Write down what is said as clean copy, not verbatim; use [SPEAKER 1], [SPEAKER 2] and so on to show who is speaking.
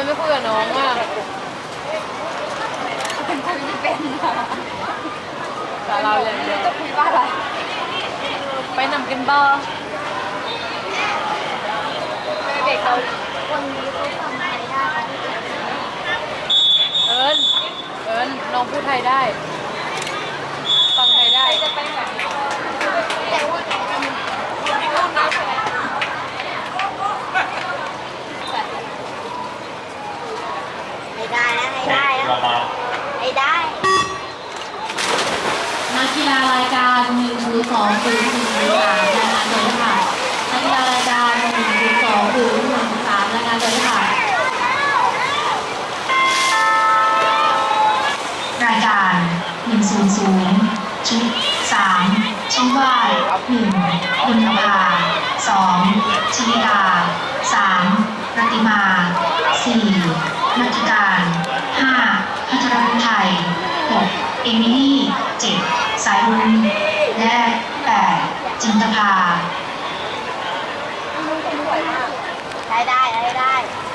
[SPEAKER 1] ไม่คุยกับน้องอ่ะ
[SPEAKER 2] เป็นคุยไม่เป็น
[SPEAKER 1] แต่เราอย่างเดียว
[SPEAKER 2] จะคุยว่าอะไร
[SPEAKER 1] ไปนำกันบ้า
[SPEAKER 2] เด็กเราคนนี้เขาฟังไทยได้
[SPEAKER 1] เอิญน้องพูดไทยได้ฟังไทยได้
[SPEAKER 2] จะไปไหนแต่ว่าให้ได้นะให้ได้นะให้ได้
[SPEAKER 3] นักกีฬารายการ102 หรือ 103รายงานตัวด้วยค่ะนักกีฬารายการ102 หรือ 103รายงานตัวด้วยค่ะรายการ100ชุด3ชื่อว่า1บุญภา2ชลิดา3รัติมา4นักการ5พัทรบุญไทย6เอมิลี่7สายรุ้งและ8จินตภา
[SPEAKER 2] ให้ได้ให้ได้